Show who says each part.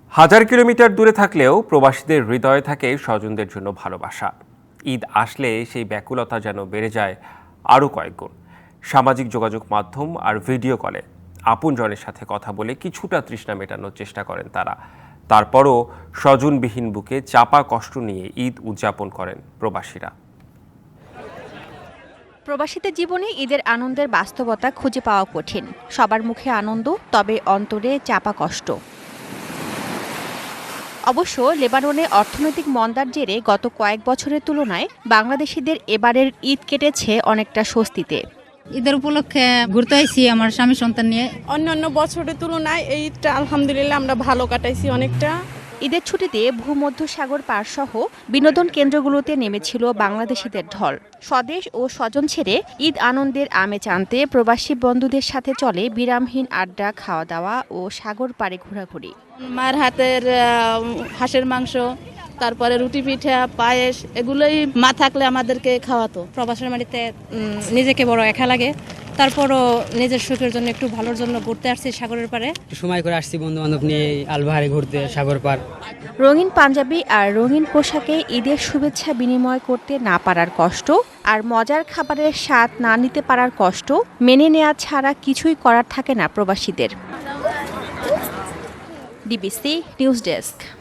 Speaker 1: হাজার কিলোমিটার দূরে থাকলেও প্রবাসীদের হৃদয়ে থাকে স্বজনদের জন্য ভালোবাসা। ঈদ আসলে সেই ব্যাকুলতা যেন বেড়ে যায় আরও কয়েক গুণ। সামাজিক যোগাযোগ মাধ্যম আর ভিডিও কলে আপনজনের সাথে কথা বলে কিছুটা তৃষ্ণা মেটানোর চেষ্টা করেন তারা। তারপরও স্বজনবিহীন বুকে চাপা কষ্ট নিয়ে ঈদ উদযাপন করেন প্রবাসীরা।
Speaker 2: প্রবাসীদের জীবনে ঈদের আনন্দের বাস্তবতা খুঁজে পাওয়া কঠিন। সবার মুখে আনন্দ, তবে অন্তরে চাপা কষ্ট। অবশ্য লেবাননে অর্থনৈতিক মন্দার জেরে গত কয়েক বছরের তুলনায় বাংলাদেশিদের এবারের ঈদ কেটেছে অনেকটা স্বস্তিতে।
Speaker 3: ঈদের উপলক্ষে ঘুরতে আইছি আমার স্বামী সন্তান নিয়ে।
Speaker 4: অন্যান্য বছরের তুলনায় এই ঈদটা আলহামদুলিল্লাহ আমরা ভালো কাটাইছি অনেকটা।
Speaker 2: ঈদের ছুটিতে ভূমধ্যসাগর পার সহ বিনোদন কেন্দ্রগুলোতে নেমেছিল বাংলাদেশিদের ঢল। স্বদেশ ও স্বজন ছেড়ে ঈদ আনন্দের আমেজ আনতে প্রবাসী বন্ধুদের সাথে চলে বিরামহীন আড্ডা, খাওয়া দাওয়া ও সাগর পাড়ে ঘোরাঘুরি।
Speaker 5: মার হাতের হাঁসের মাংস, তারপরে রুটি পিঠা, পায়েস, এগুলোই মা থাকলে আমাদেরকে খাওয়াতো।
Speaker 6: প্রবাসের বাড়িতে নিজেকে বড় একা লাগে, তারপরও নিজের সুখের জন্য একটু ভালোর জন্য ঘুরতে আসছি সাগরের পাড়ে।
Speaker 7: সময় করে আসছি বন্ধু বান্ধব নিয়ে আলবাহারে ঘুরতে সাগর পার।
Speaker 2: রঙিন পাঞ্জাবি আর রঙিন পোশাকে ঈদের শুভেচ্ছা বিনিময় করতে না পারার কষ্ট, আর মজার খাবারের স্বাদ না নিতে পারার কষ্ট মেনে নেওয়া ছাড়া কিছুই করার থাকে না প্রবাসীদের। DBC news desk.